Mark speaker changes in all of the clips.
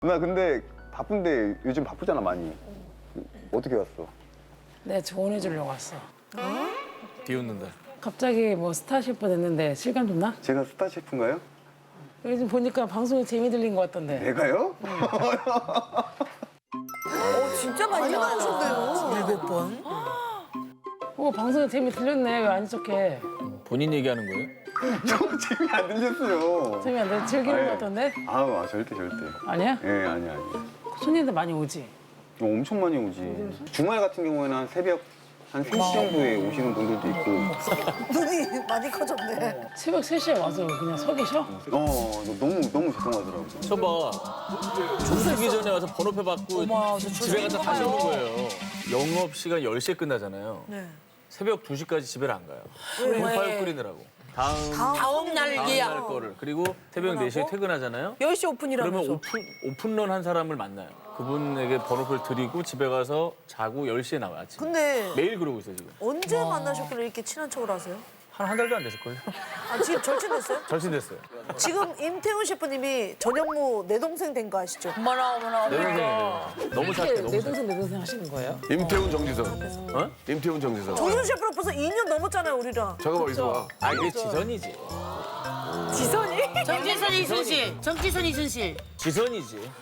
Speaker 1: 누나 근데 바쁜데 요즘 바쁘잖아 많이. 어떻게 왔어?
Speaker 2: 네, 조언해주려고 왔어.
Speaker 3: 비웃는다.
Speaker 2: 갑자기 뭐 스타 셰프 됐는데 실감 좀 나?
Speaker 1: 제가 스타 셰프인가요?
Speaker 2: 요즘 보니까 방송에 재미 들린 것 같던데.
Speaker 1: 내가요?
Speaker 4: 진짜 많이 나오셨네요. 몇 번?
Speaker 2: 방송에 재미 들렸네. 왜 안 척해?
Speaker 3: 본인 얘기하는 거예요?
Speaker 1: 저 재미 안 들렸어요.
Speaker 2: 재미 안 돼? 즐기는
Speaker 1: 아예.
Speaker 2: 것 같던데?
Speaker 1: 절대.
Speaker 2: 아니야?
Speaker 1: 예, 아니야.
Speaker 2: 손님들 많이 오지?
Speaker 1: 엄청 많이 오지. 주말 같은 경우에는 한 새벽 한 3시 정도에 오시는 분들도 있고.
Speaker 4: 눈이 많이 커졌네.
Speaker 2: 새벽 3시에 와서 그냥 서 계셔?
Speaker 1: 너무 죄송하더라고.
Speaker 3: 저봐. 조수기 전에 와서 번호표 받고 집에 가서 다시 오는 거예요. 영업 시간 10시에 끝나잖아요.
Speaker 4: 네.
Speaker 3: 새벽 2시까지 집에를 안 가요.
Speaker 4: 왜?
Speaker 3: 공파육 끓이느라고. 다음 날 거를. 그리고 새벽 4시에 퇴근하잖아요.
Speaker 4: 10시 오픈이라면서.
Speaker 3: 그러면 오픈런 한 사람을 만나요. 그분에게 번호표를 드리고 집에 가서 자고 10시에 나와요, 아침.
Speaker 4: 근데
Speaker 3: 매일 그러고 있어요, 지금.
Speaker 4: 언제 만나셨길래 이렇게 친한 척을 하세요?
Speaker 3: 한 달도 안 됐을걸요?
Speaker 4: 아, 지금 절친됐어요?
Speaker 3: 절친됐어요.
Speaker 4: 지금 임태훈 셰프님이 전현무 내 동생 된 거 아시죠?
Speaker 3: 내 동생이에요. 너무 착해, 너무
Speaker 2: 내
Speaker 3: 착해.
Speaker 2: 동생 내 동생 하시는 거예요?
Speaker 5: 임태훈 정지선.
Speaker 3: 어?
Speaker 5: 임태훈 정지선.
Speaker 4: 정윤 셰프랑 벌써 2년 넘었잖아요, 우리랑.
Speaker 5: 잠깐만 있어봐.
Speaker 3: 아, 이게 지선이지.
Speaker 4: 지선이?
Speaker 6: 정지선 이순실. 정지선 이순실.
Speaker 3: 지선이지.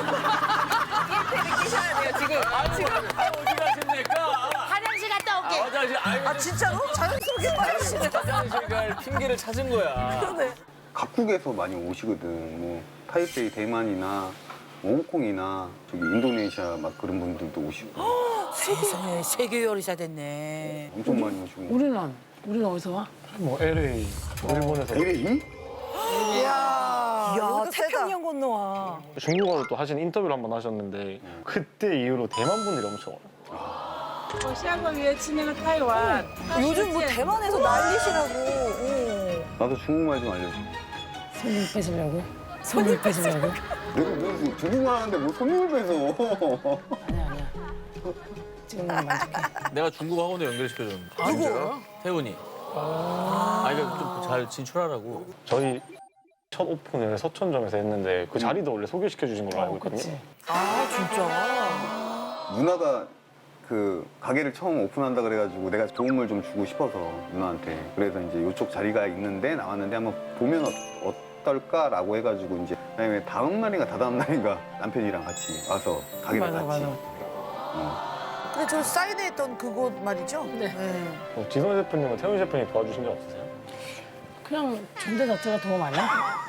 Speaker 3: 어디 가십니까?
Speaker 6: 화장실 갔다 올게.
Speaker 3: 화장실,
Speaker 4: 아, 진짜로? 자연스럽게 빠지시네.
Speaker 3: 화장실 갈 핑계를 찾은 거야.
Speaker 4: 그러네.
Speaker 1: 각국에서 많이 오시거든. 뭐 타이베이 대만이나 뭐 홍콩이나 저기 인도네시아 막 그런 분들도 오시고
Speaker 6: 세상에 세계 요리사 됐네.
Speaker 1: 엄청 많이 오시고.
Speaker 2: 우리는 어디서 와?
Speaker 7: 뭐 LA, 일본에서
Speaker 1: LA?
Speaker 4: 이야,
Speaker 6: 야,
Speaker 4: 태평양
Speaker 6: 건너와.
Speaker 7: 중국어로 또 하신 인터뷰를 한번 하셨는데 그때 이후로 대만 분들이 엄청 와요.
Speaker 8: 下个月去那个台湾，
Speaker 4: 요즘 뭐 대만에서 난리시라고.
Speaker 1: 나도 중국말 좀 알려줘.
Speaker 2: 손님 뺏으려고? 손님 뺏으려고?
Speaker 1: 내가 무슨 중국말 하는데 뭐 손님을 뺏어.
Speaker 2: 아니야. 지금 너무 만족해.
Speaker 3: 내가 중국 학원도 연결시켜줬는데.
Speaker 4: 누구?
Speaker 3: 태훈이. 그러니까 좀 잘 진출하라고.
Speaker 7: 저희 첫 오픈을 서천점에서 했는데 그 자리도 원래 소개시켜 주신 걸로 알고 있거든요.
Speaker 2: 그치.
Speaker 4: 아, 진짜?
Speaker 1: 누나가 그 가게를 처음 오픈한다 그래가지고 내가 도움을 좀 주고 싶어서 누나한테. 그래서 이제 이쪽 자리가 있는데 나왔는데 한번 보면 어떨까라고 해가지고 이제 그다음에 다음 날인가 다다음 날인가 남편이랑 같이 와서 가게를 같이.
Speaker 2: 맞아.
Speaker 4: 근데 저 사인회했던 그곳 말이죠?
Speaker 2: 네.
Speaker 7: 지선 셰프님은 태훈 셰프님 도와주신 적 없으세요?
Speaker 2: 그냥 존재 자체가 도움 아니야?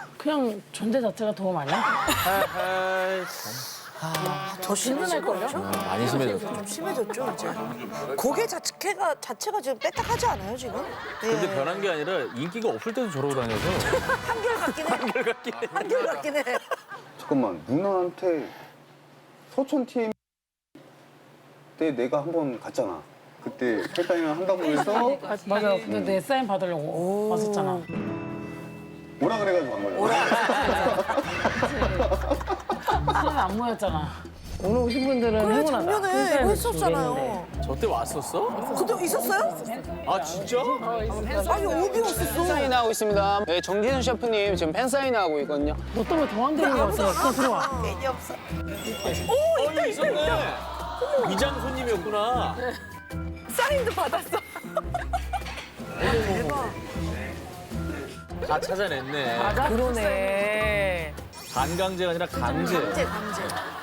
Speaker 4: 더 심해질 거죠?
Speaker 3: 많이 심해졌어.
Speaker 4: 좀 심해졌죠, 이제. 고개 자체가 지금 빽딱하지 않아요, 지금?
Speaker 3: 근데
Speaker 4: 예.
Speaker 3: 변한 게 아니라 인기가 없을 때도 저러고 다녀서.
Speaker 4: 한결같긴 해.
Speaker 1: 잠깐만 누나한테 서촌 팀 때 내가 한번 갔잖아. 그때 헬타이랑 한다고 해서
Speaker 2: 맞아. 근데 내 사인 받으려고 왔었잖아.
Speaker 1: 오라 그래가지고 간 거야.
Speaker 2: 사인 안 모였잖아. 오늘 오신 분들은
Speaker 4: 그래,
Speaker 2: 행운하다.
Speaker 4: 작년에
Speaker 2: 큰
Speaker 4: 이거
Speaker 2: 사인을
Speaker 4: 했었잖아요.
Speaker 3: 저 때 왔었어?
Speaker 4: 그때 있었어요?
Speaker 3: 아, 진짜?
Speaker 4: 아니, 어디 왔었어?
Speaker 9: 팬사인회 하고 있습니다. 네, 정진훈 셰프님 지금 팬사인회 하고 있거든요.
Speaker 2: 너 때문에 도망다니는 거 같아. 그냥 들어와.
Speaker 4: 괜히 없어.
Speaker 3: 있었네. 위장 손님이었구나.
Speaker 4: 사인도 받았어. 대박.
Speaker 3: 다 찾아냈네.
Speaker 6: 그러네.
Speaker 3: 반강제가 아니라 강제.
Speaker 4: 강제.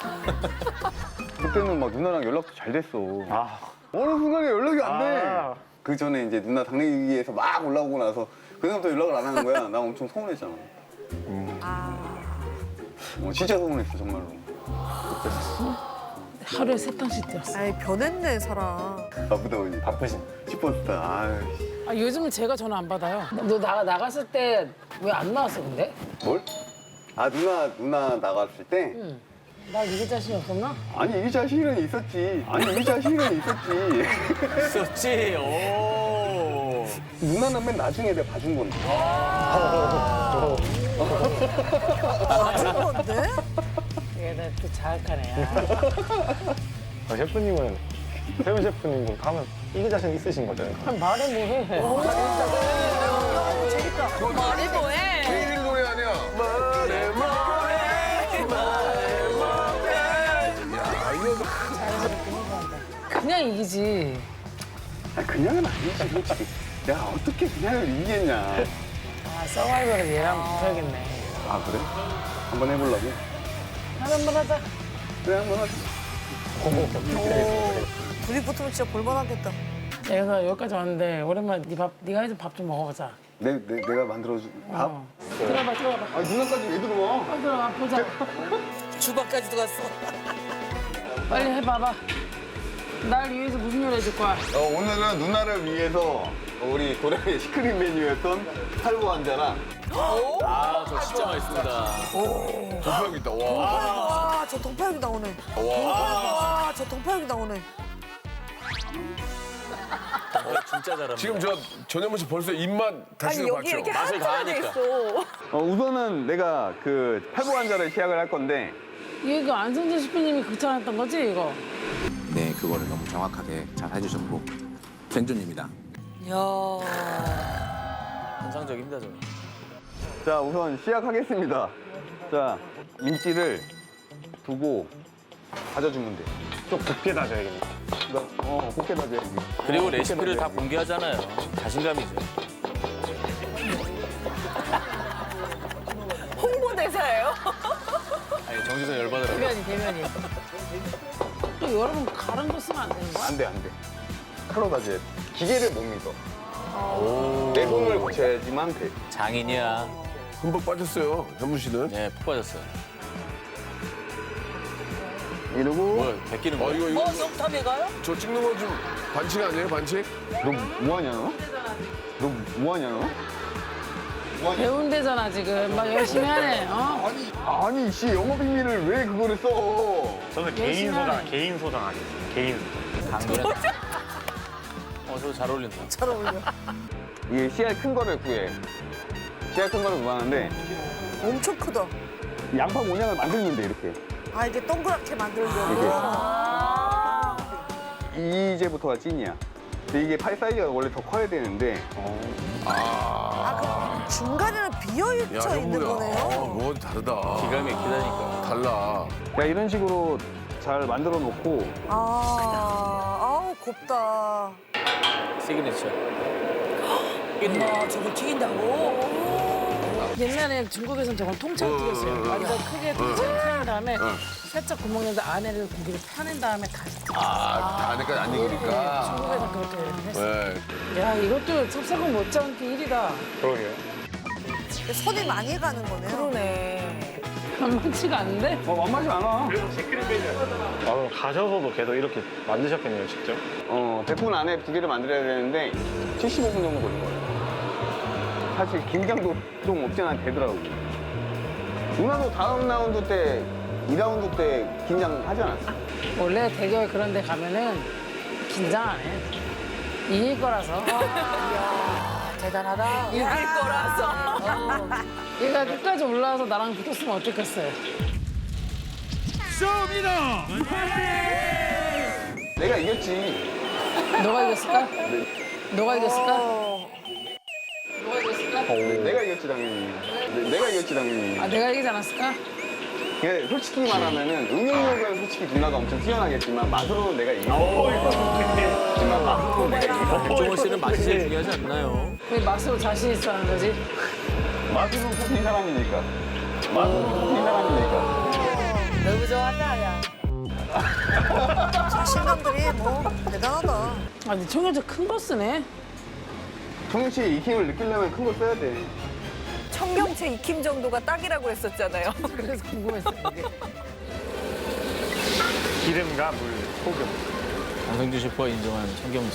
Speaker 1: 그때는 막 누나랑 연락도 잘 됐어. 어느 순간에 연락이 안 돼. 그 전에 이제 누나 당내기에서 막 올라오고 나서 그다음부터 연락을 안 하는 거야. 나 엄청 서운했잖아. 진짜 서운했어 정말로.
Speaker 2: 하루에 3탕씩 뛰었어.
Speaker 4: 아이, 변했네, 사람.
Speaker 1: 바쁘다 보니.
Speaker 7: 바쁘신.
Speaker 1: 슈퍼스타. 아이씨.
Speaker 2: 요즘은 제가 전화 안 받아요. 너 나갔을 때 왜 안 나왔어, 근데?
Speaker 1: 뭘? 누나 나갔을 때?
Speaker 2: 나 이길 자신이 없었나?
Speaker 1: 아니 이 자신은 있었지.
Speaker 3: 있었지. 오.
Speaker 1: 누나는 맨 나중에 내가 봐준 건데.
Speaker 4: 맞은 건데?
Speaker 2: 얘는 또 자학한 애야.
Speaker 7: 셰프님은 태훈 셰프님 하면 이길 자신 있으신 거잖아요.
Speaker 2: 말해 뭐해.
Speaker 6: 말해 뭐해?
Speaker 5: 케이윌 노래 아니야?
Speaker 3: 말해.
Speaker 2: 그냥 이기지.
Speaker 1: 아, 그냥은 아니지, 솔직히. 야, 어떻게 그냥을 이기겠냐.
Speaker 2: 아, 서바이벌은 얘랑 못하겠네.
Speaker 1: 아, 그래? 한번 해보려고?
Speaker 2: 한번 하자.
Speaker 1: 그래, 한번 하자.
Speaker 4: 둘이 붙으면 진짜 볼만하겠다.
Speaker 2: 내가 여기까지 왔는데 오랜만에 네가 해준 밥 좀 먹어보자.
Speaker 1: 내가 만들어준 밥?
Speaker 2: 들어봐.
Speaker 1: 아, 누나까지 왜 들어와?
Speaker 2: 빨리 들어가 보자.
Speaker 4: 주방까지도 갔어.
Speaker 2: 빨리 해봐봐. 날 위해서 무슨 요리 해줄 거야?
Speaker 1: 오늘은 누나를 위해서 우리 고래의 시크릿 메뉴였던 탈보 환자랑
Speaker 3: 아, 저 진짜 맛있습니다.
Speaker 5: 동파육이다. 와.
Speaker 4: 와, 저 동파육이 나오네. 와, 저 동파육이 나오네.
Speaker 3: 진짜 잘합니다.
Speaker 5: 지금 저 전현무 씨 벌써 입맛 다시 봤죠?
Speaker 3: 맛을 가하니까.
Speaker 1: 우선은 내가 그 탈보 환자를 시작을 할 건데
Speaker 2: 이게 그 안성재 셰프님이 극찬했던 거지 이거?
Speaker 10: 네, 그거를 너무 정확하게 잘 해주셨고 생존입니다.
Speaker 4: 야.
Speaker 3: 환상적입니다, 저.
Speaker 1: 자 우선 시작하겠습니다. 자 김치를 두고 다져주면 돼.
Speaker 7: 좀 곱게 다져야겠네.
Speaker 1: 곱게 다져야지.
Speaker 3: 그리고 레시피를 다 공개하잖아요. 자신감이죠.
Speaker 4: 홍보대사예요?
Speaker 3: 아니, 정지선 열받으라고.
Speaker 2: 대면이. 또 여러분 가른 거 쓰면 안 되는 거야?
Speaker 1: 안 돼. 칼로 다져야 돼. 기계를 못 믿어. 내 손을 거쳐야지만 돼.
Speaker 3: 장인이야.
Speaker 5: 흠뻑 빠졌어요, 현무 씨는.
Speaker 3: 네, 푹 빠졌어요.
Speaker 1: 이러고
Speaker 3: 뭐야, 베끼는 거야?
Speaker 5: 이거
Speaker 4: 영탑에 가요?
Speaker 5: 저 찍는 거 좀 반칙 아니에요, 반칙?
Speaker 1: 너 뭐하냐 너? 너 뭐하냐 너?
Speaker 2: 배운대잖아 지금. 막 열심히 하네. 어?
Speaker 1: 아니 씨 영어 비밀을 왜 그거를 써?
Speaker 7: 저는
Speaker 2: 열심히 하네.
Speaker 7: 개인 소장 하겠습니다. 개인 소장.
Speaker 3: 강도는. 저거 잘 어울린다.
Speaker 4: 잘 어울려.
Speaker 1: 이게 씨알 큰 거를 구해. 씨알 큰 거를 구하는데
Speaker 4: 엄청 크다.
Speaker 1: 양파 모양을 만들면 돼 이렇게.
Speaker 4: 아, 이게 동그랗게 만들려고.
Speaker 1: 이제부터가 찐이야. 근데 이게 팔 사이즈가 원래 더 커야 되는데
Speaker 4: 그럼 중간에는 비어있어 있는 거네요.
Speaker 5: 뭐 다르다.
Speaker 3: 기가 막히다니까.
Speaker 5: 달라.
Speaker 1: 야 이런 식으로 잘 만들어 놓고
Speaker 4: 아우, 곱다.
Speaker 3: 시그니처.
Speaker 4: 와, 저걸 튀긴다고?
Speaker 2: 옛날에 중국에서는 저걸 통째로 튀겼어요. 완전 크게 통째로 튀긴 다음에 살짝 구멍 내서 안에를 고기를 펴낸 다음에 다시
Speaker 5: 안에까지 안 익으니까.
Speaker 2: 중국에서 그렇게 했어.
Speaker 5: 네.
Speaker 2: 야 이것도 찹쌀국 못지않게 1위다.
Speaker 7: 그러게요.
Speaker 4: 손이 많이 가는 거네요. 그러네.
Speaker 2: 만만치가 않은데?
Speaker 1: 만만치 않아.
Speaker 7: 그럼 가셔서도 계속 이렇게 만드셨겠네요, 직접.
Speaker 1: 100분 안에 두 개를 만들어야 되는데 75분 정도 걸린 거예요. 사실 긴장도 좀 없지 않아 되더라고. 누나도 다음 라운드 때 2라운드 때 긴장하지 않았어?
Speaker 2: 원래 대결 그런 데 가면은 긴장 안 해. 이길 거라서.
Speaker 4: 대단하다.
Speaker 2: 이길 거라서. 얘가 끝까지 올라와서 나랑 붙었으면 어땠겠어요?
Speaker 1: 내가 이겼지.
Speaker 2: 너가 이겼을까? 너가 이겼을까? 너가 이겼을까?
Speaker 1: 내가 이겼지 당연히. 내가 이겼지 당연히.
Speaker 2: 아 내가 이기지 않았을까?
Speaker 1: 근데 솔직히 말하면은 응용력은 솔직히 누나가 엄청 뛰어나겠지만 맛으로는 내가 이겼어. 하지만 맛으로 내가 이겼어.
Speaker 3: 백종원 씨는 맛이 제일 중요하지 않나요?
Speaker 2: 왜 맛으로 자신 있어 하는 거지?
Speaker 1: 맛으로 뽑힌 사람이니까. 맛으로 뽑힌 사람이니까.
Speaker 4: 너무 좋아한다, 야. 자신감들이 뭐 대단하다.
Speaker 2: 아 근데 청양채 큰 거 쓰네?
Speaker 1: 청양채의 익힘을 느끼려면 큰 거 써야 돼.
Speaker 6: 청경채 익힘 정도가 딱이라고 했었잖아요.
Speaker 2: 그래서 궁금했어 이게.
Speaker 7: 기름과 물, 소금.
Speaker 3: 강성주 셰프가 인정한 청경채.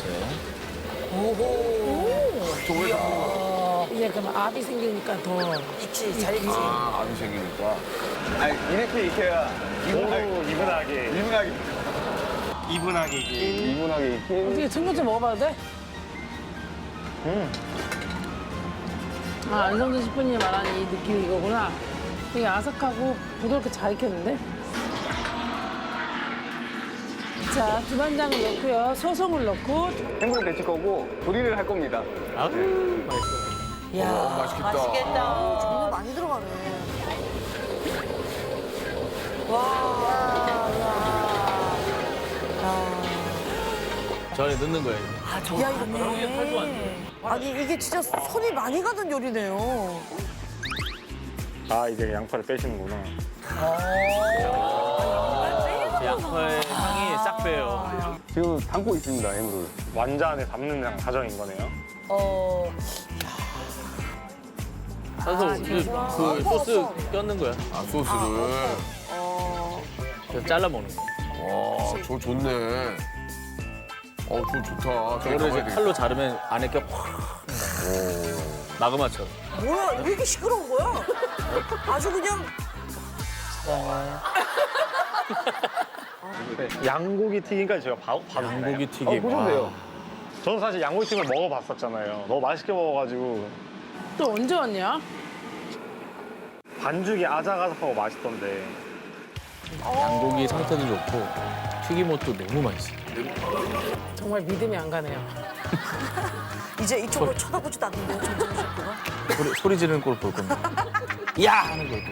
Speaker 2: 이제 그럼 압이 생기니까 더
Speaker 4: 있지, 잘 있지.
Speaker 5: 암이 생기니까.
Speaker 1: 아니 이렇게 익혀야
Speaker 7: 이분하게.
Speaker 1: 이분하게
Speaker 7: 이분하게 이게.
Speaker 1: 이분하게 익힌.
Speaker 2: 어떻게 청양채 먹어봐도 돼? 아 안성준 셰프님이 말하는 이 느낌이 이거구나. 되게 아삭하고 부드럽게 잘 익혔는데? 자 두반장을 넣고요. 소송을 넣고
Speaker 1: 햄버거 데칠 거고 조리를 할 겁니다.
Speaker 3: 아우, 맛있어.
Speaker 4: 야,
Speaker 5: 맛있겠다.
Speaker 4: 맛있겠다. 정말 많이 들어가네. 와, 야.
Speaker 3: 저 안에 넣는 거예요.
Speaker 4: 야, 이거 아니, 이게 진짜 손이 많이 가는 요리네요.
Speaker 7: 아 이제 양파를 빼시는구나.
Speaker 3: 양파의 향이 싹 빼요.
Speaker 1: 지금 담고 있습니다, 해물을.
Speaker 7: 완자 안에 담는 과정인 거네요.
Speaker 3: 사서 그 소스 껴는 거야.
Speaker 5: 아, 소스를.
Speaker 3: 그래서 잘라 먹는 거야.
Speaker 5: 와, 저 좋네. 저 좋다. 저기
Speaker 3: 그거를 이제
Speaker 5: 가봐야 되겠다.
Speaker 3: 칼로 자르면 안에 껴 확. 마그마처럼.
Speaker 4: 뭐야, 왜 이렇게 시끄러운 거야? 아주 그냥
Speaker 7: 양고기 튀김까지 제가 봐도
Speaker 3: 양고기 튀김.
Speaker 1: 보셔도
Speaker 7: 저는 사실 양고기 튀김을 먹어봤었잖아요. 너무 맛있게 먹어가지고
Speaker 2: 또 언제 왔냐?
Speaker 7: 반죽이 아삭아삭하고 맛있던데.
Speaker 3: 양고기 상태도 좋고 튀김옷도 너무 맛있어.
Speaker 2: 정말 믿음이 안 가네요.
Speaker 4: 이제 이쪽으로 쳐다보지도 않는데요, 정재훈 셰프가.
Speaker 3: 소리 지르는 꼴 볼 겁니다. 야! 하는 걸.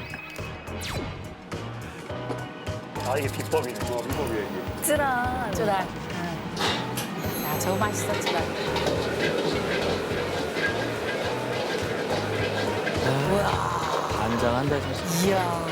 Speaker 7: 아 이게 비법이네. 비법이에요 이게.
Speaker 6: 쯔란.
Speaker 2: 쯔랄. 야, 저거 맛있어, 쯔랄.
Speaker 3: 간장 한 달 사실.
Speaker 4: 이야.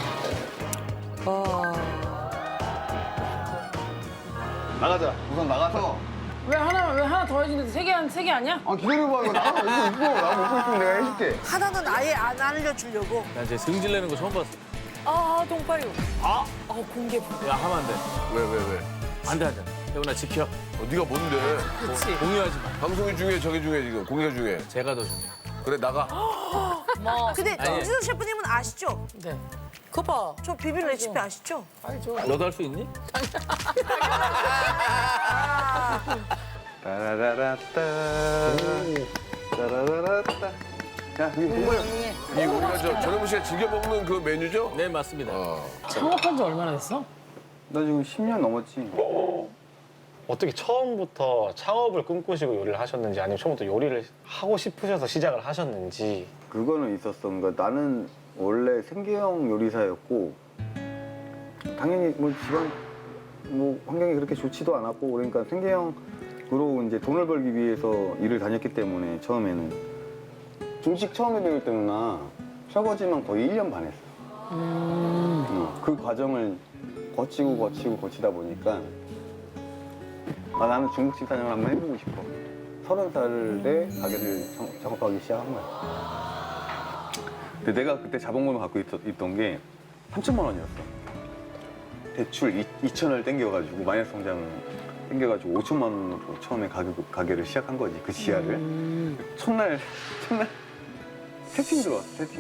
Speaker 1: 나가자. 우선 나가서.
Speaker 2: 왜 하나 더 해주는데 세 개 아니야?
Speaker 1: 아, 기다려봐. 이거 나가. 이거 나 먹고 있으면 내가 해줄게.
Speaker 4: 하나는 아예 안 알려주려고.
Speaker 3: 나 이제 승질 내는 거 처음 봤어.
Speaker 4: 동파리. 공개.
Speaker 3: 야, 하면 안 돼.
Speaker 5: 왜?
Speaker 3: 안 돼. 태훈아, 지켜.
Speaker 5: 네가 뭔데?
Speaker 2: 그치.
Speaker 3: 공유하지 마.
Speaker 5: 방송이 중에 저게 중에 지금 공개 중에.
Speaker 3: 제가 더 중요해.
Speaker 5: 그래 나가.
Speaker 4: 근데
Speaker 3: 아니.
Speaker 4: 정지선 셰프님은 아시죠?
Speaker 2: 네.
Speaker 4: 그거 봐. 저 비빔 레시피 아시죠?
Speaker 3: 너도 할 수 있니?
Speaker 1: 따라라라따. 따라라라따. 야, 이거 뭐야?
Speaker 5: 이 우리가 전현무 씨가 즐겨 먹는 그 메뉴죠?
Speaker 3: 네, 맞습니다.
Speaker 2: 창업한 지 얼마나 됐어?
Speaker 1: 나 지금 10년 넘었지.
Speaker 7: 어떻게 처음부터 창업을 꿈꾸시고 요리를 하셨는지 아니면 처음부터 요리를 하고 싶으셔서 시작을 하셨는지.
Speaker 1: 그거는 있었어. 그러니까 나는 원래 생계형 요리사였고 당연히 뭐 집안 뭐 환경이 그렇게 좋지도 않았고 그러니까 생계형으로 이제 돈을 벌기 위해서 일을 다녔기 때문에 처음에는 중식 처음에 배울 때는 나 설거지만 거의 1년 반 했어. 그 과정을 거치다 보니까 나는 중국집 사장을 한번 해보고 싶어. 30살에 가게를 작업하기 시작한 거야. 근데 내가 그때 자본금을 갖고 있던 게 3천만 원이었어. 대출 2천을 땡겨가지고 마이너스 성장을 땡겨가지고 5천만 원으로 처음에 가게를 시작한 거지. 그 지하를. 첫날 세 팀 들어왔어. 3팀.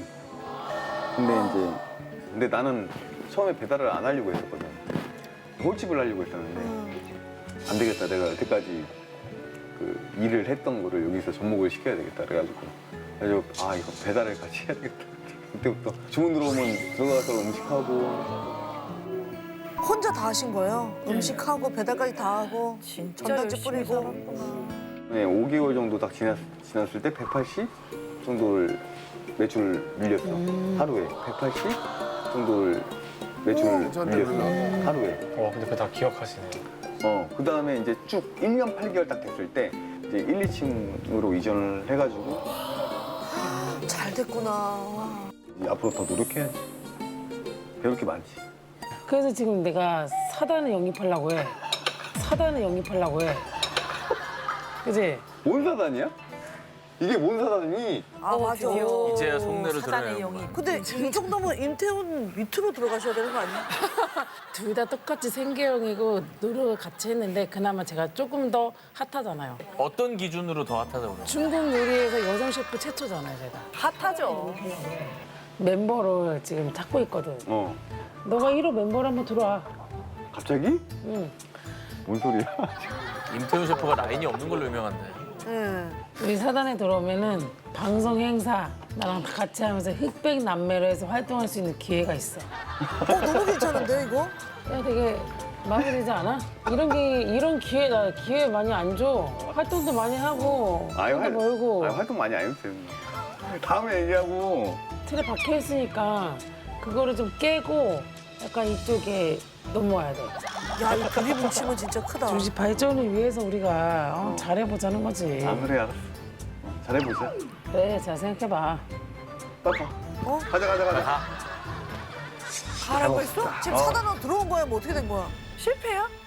Speaker 1: 근데 나는 처음에 배달을 안 하려고 했었거든. 홀집을 하려고 했었는데 안 되겠다. 내가 여태까지 그 일을 했던 거를 여기서 접목을 시켜야 되겠다. 그래가지고 이거 배달을 같이 해야 되겠다. 그때부터 주문 들어오면 들어가서 음식하고.
Speaker 4: 혼자 다 하신 거예요? 음식하고 배달까지 다 하고 전단지 뿌리고.
Speaker 1: 네, 5개월 정도 딱 지났을 때 180 정도를 매출을 밀렸어. 하루에 180 정도를 매출을 밀렸어. 하루에.
Speaker 7: 근데 그거 다 기억하시네요.
Speaker 1: 그 다음에 이제 쭉 1년 8개월 딱 됐을 때 이제 1, 2층으로 이전을 해가지고
Speaker 4: 잘 됐구나.
Speaker 1: 앞으로 더 노력해야지. 배울 게 많지.
Speaker 2: 그래서 지금 내가 사단을 영입하려고 해. 그지?
Speaker 1: 뭔 사단이야? 이게 뭔 사단이니?
Speaker 4: 맞아.
Speaker 3: 이제야 속내로 드러내요.
Speaker 4: 근데 이 정도면 임태훈 밑으로 들어가셔야 되는 거 아니야?
Speaker 2: 둘 다 똑같이 생계형이고 노력을 같이 했는데 그나마 제가 조금 더 핫하잖아요.
Speaker 3: 어떤 기준으로 더 핫하다고 그래요?
Speaker 2: 중국 요리에서 여성 셰프 최초잖아요, 제가.
Speaker 6: 핫하죠.
Speaker 2: 멤버를 지금 찾고 있거든. 너가 1호 멤버로 한번 들어와.
Speaker 1: 갑자기?
Speaker 2: 응.
Speaker 1: 뭔 소리야?
Speaker 3: 임태훈 셰프가 라인이 없는 걸로 유명한데.
Speaker 2: 우리 사단에 들어오면은 방송 행사 나랑 같이 하면서 흑백 남매로 해서 활동할 수 있는 기회가 있어.
Speaker 4: 너무 괜찮은데 이거?
Speaker 2: 야, 되게 마음에 들지 않아? 이런 기회 많이 안 줘. 활동도 많이 하고, 돈도 벌고.
Speaker 1: 활동 많이 안 해도 돼. 다음에 얘기하고.
Speaker 2: 틀에 박혀 있으니까 그거를 좀 깨고 약간 이쪽에 넘어와야 돼.
Speaker 4: 야, 이 그리 뭉치면 진짜 크다.
Speaker 2: 우리 집 발전을 위해서 우리가 잘해보자는 거지.
Speaker 1: 아 그래 알았어. 잘해보자.
Speaker 2: 그래, 잘 생각해봐.
Speaker 1: 따가. 가자.
Speaker 6: 가라고 했어?
Speaker 4: 지금 사단으로 들어온 거야? 뭐 어떻게 된 거야?
Speaker 6: 실패야?